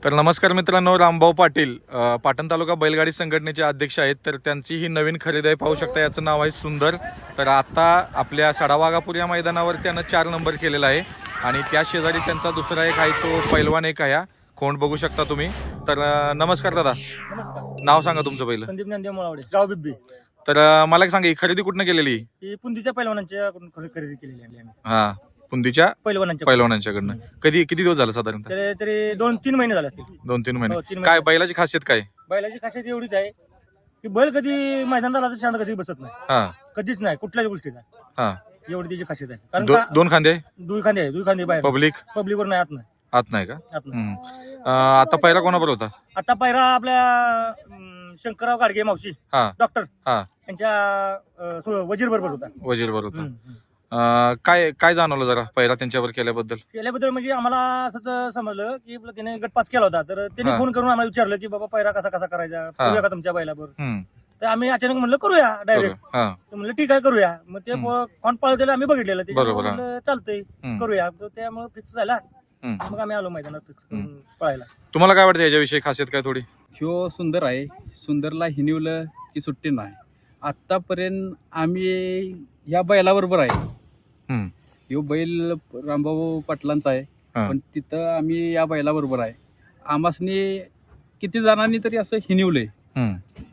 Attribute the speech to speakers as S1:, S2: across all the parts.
S1: तर नमस्कार मित्रांनो, रामभाऊ पाटील पाटण तालुका बैलगाडी संघटनेचे अध्यक्ष आहेत. तर त्यांची ही नवीन खरेदी आहे, पाहू शकता. याचं नाव आहे सुंदर. तर आता आपल्या सडावागापूर या मैदानावर त्यानं 4 नंबर केलेला आहे आणि त्या शेजारी त्यांचा दुसरा एक आहे, तो पैलवान एक आहे. खोंड बघू शकता तुम्ही. तर नमस्कार दादा.
S2: नमस्कार.
S1: नाव सांगा तुमचं पहिलं.
S2: संदीप ज्ञानदेव मुळावडे, गाव बिब्बी.
S1: तर मला एक सांगा, ही खरेदी कुठनं केलेली?
S2: ही पुंदीच्या पैलवानांच्याकडून खरेदी केलेली आहे आम्ही.
S1: हा, पुंदीच्या
S2: पैलवानांच्या
S1: पैलवानांच्याकडनं. किती दिवस झाले साधारणतः?
S2: तरी तरी 2-3 महिने झाले असतील.
S1: 2-3
S2: हो,
S1: महिने.
S2: 3
S1: काय बैलाची खासियत काय?
S2: बैलाची खासियत एवढीच आहे की बैल कधी मैदानात आला तर शांत कधी बसत नाही,
S1: हा
S2: कधीच नाही, कुठल्याच गोष्टीला.
S1: हा.
S2: एवढी त्याची खासियत आहे. कारण
S1: दोन खांदे
S2: दुई खांदे बाहेर, पब्लिकवर नाही, आत नाही.
S1: आत नाही का?
S2: आत नाही.
S1: आता पहिला कोणाबरोबर होता?
S2: आता पायरा आपल्या शंकरराव गाडगे मावशी,
S1: हा
S2: डॉक्टर
S1: हा.
S2: यांच्या वजीर बरोबर होता.
S1: वजीर बरोबर होता. काय जाणवलं जरा पहिला त्यांच्यावर केल्याबद्दल?
S2: केल्याबद्दल म्हणजे आम्हाला असंच समजलं की त्याने गट पास केला होता, तर त्याने
S1: हा.
S2: फोन करून आम्हाला विचारलं की बाबा पायरा कसा करायचा, करूया का तुमच्या बैलावर.
S1: हम्म.
S2: तर आम्ही अचानक म्हणलं करूया डायरेक्ट.
S1: हा.
S2: तर म्हणलं ठीक आहे करूया. मग ते कोण पळतेला आम्ही बघितलेलं,
S1: बरोबर, हा.
S2: म्हणलं चालतंय करूया. तर त्यामुळे फिक्स झाला. मग आम्ही आलो मैदानात फिक्स पळायला.
S1: तुम्हाला काय वाटतं याच्याविषयी खासियत काय थोडी?
S3: ह्यो सुंदर आहे. सुंदरला हिनिवलं की सुट्टी नाही. आतापर्यंत आम्ही या बैलाबरोबर आहे.
S1: हम्म.
S3: ह्यो बैल रामभाऊ पाटलांचा आहे,
S1: हा.
S3: पण तिथं आम्ही या बैलाबरोबर आहे. आमासनी किती जणांनी तरी असं हिनिवलंय
S1: हम्म.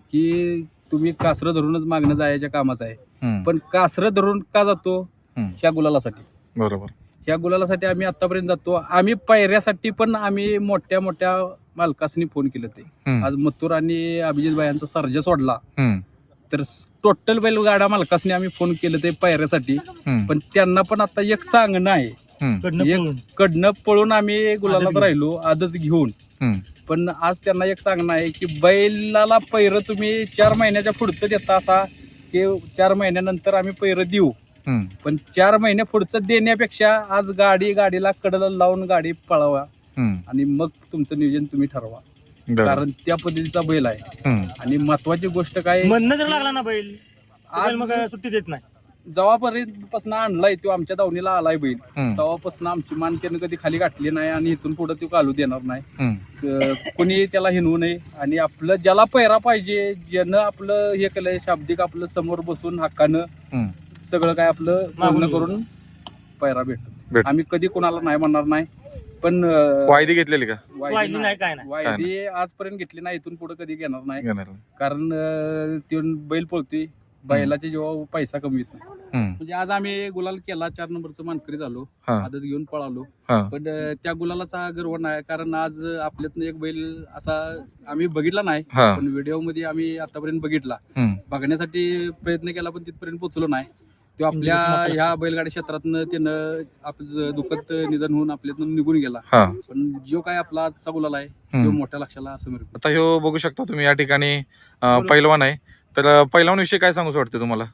S3: की तुम्ही कासरं धरूनच मागणं जायच्या कामाचं आहे.
S1: हम्म.
S3: पण कासरं धरून का जातो?
S1: हम्म.
S3: ह्या गुलालासाठी.
S1: बरोबर.
S3: ह्या गुलालासाठी आम्ही आतापर्यंत जातो. आम्ही पायऱ्यासाठी पण आम्ही मोठ्या मोठ्या मालकासनी फोन केलं. ते
S1: हम्म.
S3: आज मथुर आणि अभिजित भायांचा सर्जा सोडला,
S1: हम्म.
S3: तर टोटल बैलगाडा मालकासनी आम्ही फोन केलं ते पायऱ्यासाठी.
S1: हम्म.
S3: पण त्यांना पण आता एक सांगणं आहे.
S1: हम्म.
S3: कडनं पळून आम्ही गुलालात राहिलो आदत घेऊन.
S1: हम्म.
S3: पण आज त्यांना एक सांगणं आहे की बैलाला पैर तुम्ही 4 महिन्याच्या पुढचं देता असा की 4 महिन्यानंतर आम्ही पैर देऊ.
S1: हम्म.
S3: पण 4 महिने पुढचं देण्यापेक्षा आज गाडीला कडला लावून गाडी पळवा
S1: हम्म.
S3: आणि मग तुमचं नियोजन तुम्ही ठरवा.
S1: बरोबर.
S3: कारण त्या पद्धतीचा बैल आहे.
S1: हम्म.
S3: आणि महत्वाची गोष्ट काय,
S2: म्हणणं जर लागला ना बैल, आज मग सुट्टी देत नाही.
S3: जेव्हापर्यंत आणलाय तो आमच्या दावणीला आलाय बैल,
S1: हम्म.
S3: तेव्हापासून आमची मान त्यानं कधी खाली गाठली नाही आणि इथून पुढे तो घालू देणार नाही.
S1: हम्म.
S3: कोणी त्याला हिनवू नये. आणि आपलं ज्याला पैरा पाहिजे, ज्यानं आपलं हे केलंय शाब्दिक, आपलं समोर बसून हक्कानं
S1: हम्म.
S3: सगळं काय आपलं मागणं करून पैरा भेटतो. आम्ही कधी कोणाला नाही म्हणणार नाही. पण
S1: वायदी घेतलेली का?
S2: वायदी नाही, काय नाही.
S3: वायदी आजपर्यंत घेतली नाही, इथून पुढे कधी घेणार नाही.
S1: घेणार.
S3: कारण तो बैल पळतोय, बैलाचे जेव्हा पैसा कमी येत नाही.
S1: हम्म.
S3: म्हणजे आज आम्ही गुलाल केला, 4 नंबरचं मानकरी झालो,
S1: हा.
S3: आदत घेऊन पळालो.
S1: हा.
S3: पण त्या गुलालाचा गर्व नाही, कारण आज आपल्यातनं एक बैल असा आम्ही बघितला नाही,
S1: हा.
S3: पण व्हिडिओ मध्ये आम्ही आतापर्यंत बघितला.
S1: हम्म.
S3: बघण्यासाठी प्रयत्न केला, पण तिथपर्यंत पोहोचलो नाही. तो आपल्या ह्या बैलगाडी क्षेत्रातनं त्यानं आपलं दुःखद निधन होऊन आपल्यातून निघून गेला.
S1: हा.
S3: पण जो काय आपला आजचा गुलाल आहे तो मोठ्या लक्षाला समोर.
S1: आता ह्यो बघू शकता तुम्ही, या ठिकाणी पैलवान आहे. तर पैलवान विषयी काय सांगूच वाटते तुम्हाला?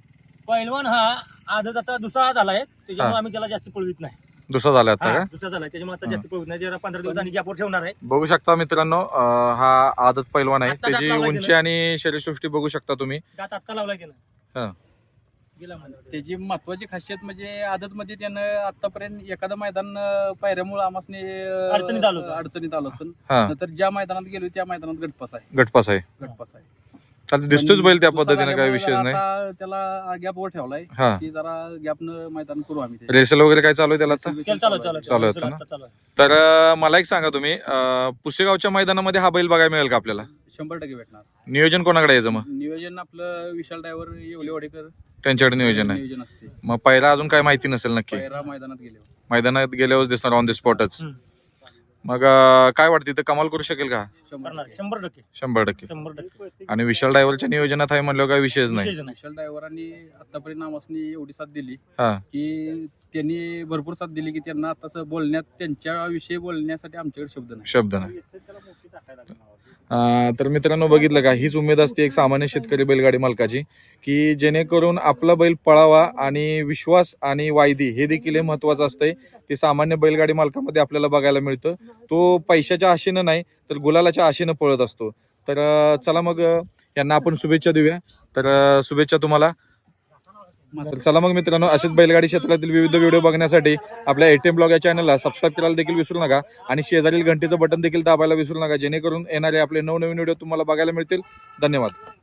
S2: पैलवान हा आदत आता दुसरा झालाय, त्याच्यामुळे आम्ही त्याला जास्त पळवित नाही.
S1: दुसरा झाला आता का?
S2: दुसरा झालाय, त्याच्यामुळे आता जास्त पळवित नाही. जरा 15 दिवसांनी गॅपवर ठेवणार आहे.
S1: बघू शकता मित्रांनो, हा आदत पैलवान आहे.
S2: आता
S1: त्याची
S2: लावलाय
S1: उंची
S2: त्यानं.
S1: आणि शरीरसृष्टी बघू शकता तुम्ही.
S2: त्यात आत्ता लावलाय की
S1: हा.
S2: नाही, गेला महिना.
S3: त्याची महत्वाची खासियत म्हणजे आदत मध्ये त्यानं आतापर्यंत एखादं मैदान पायऱ्यामुळे आम्हासने
S2: अडचणीत
S3: आलो असेल.
S1: हा.
S3: नंतर ज्या मैदानात गेलो त्या मैदानात गटपास आहे.
S1: गटपास आहे.
S3: पण
S1: दिसतोच बैल त्या
S3: दुसरा
S1: पद्धतीने, काही
S3: झाल्यामुळे
S1: विषय
S3: जरा
S1: नाही.
S3: आता त्याला गॅपवर ठेवलाय
S1: हा.
S3: की जरा गॅपनं मैदान करू आम्ही ते.
S1: रेसल वगैरे काय चालू आहे त्याला आता?
S2: चालू
S1: होतं ना?
S2: चालू आहे.
S1: तर मला एक सांगा तुम्ही, पुसेगावच्या मैदानामध्ये हा बैल बघायला मिळेल का आपल्याला?
S3: 100% भेटणार.
S1: नियोजन कोणाकडे यायचं मग?
S3: नियोजन आपलं विशाल ड्रायव्हर येवलेवाडेकर
S1: त्यांच्याकडे नियोजन आहे.
S3: नियोजन असते.
S1: मग पहिला अजून काय माहिती नसेल नक्की?
S3: पायरा मैदानात गेल्यावर
S1: मैदानात गेल्यावर दिसणार ऑन द स्पॉटच. मग काय वाटतं, इथं कमाल करू शकेल का?
S2: 100%.
S1: 100%.
S2: 100%.
S1: आणि विशाल ड्रायव्हरच्या नियोजनात आहे म्हणल्यावर काही विषयच नाही.
S2: विशेष नाही.
S3: विशाल ड्रायव्हरांनी आतापर्यंत आम्हाला एवढी साथ दिली
S1: हा.
S3: की त्यांनी भरपूर साथ दिली की त्यांना आता बोलण्यात, त्यांच्याविषयी बोलण्यासाठी आमच्याकडे शब्द नाही.
S1: शब्द नाही. तर मित्रांनो, बघितलं का, हीच उमेद असते एक सामान्य शेतकरी बैलगाडी मालकाची, की जेणेकरून आपला बैल पळावा आणि विश्वास आणि वायदी हे देखील महत्वाचं असतंय. ते सामान्य बैलगाडी मालकामध्ये आपल्याला बघायला मिळतं. तो पैशाच्या आशेनं नाही तर गुलालाच्या आशेनं पळत असतो. तर चला मग यांना आपण शुभेच्छा देऊया. तर शुभेच्छा तुम्हाला. तर चला मग मित्रांनो, असेच बैलगाडी क्षेत्रातील विविध व्हिडिओ बघण्यासाठी आपल्या ATM ब्लॉग या चॅनलला सबस्क्राईब करायला देखील विसरू नका आणि शेजारील घंटीचं बटन देखील दाबायला विसरू नका, जेणेकरून येणारे आपले नवनवीन व्हिडिओ तुम्हाला बघायला मिळतील. धन्यवाद.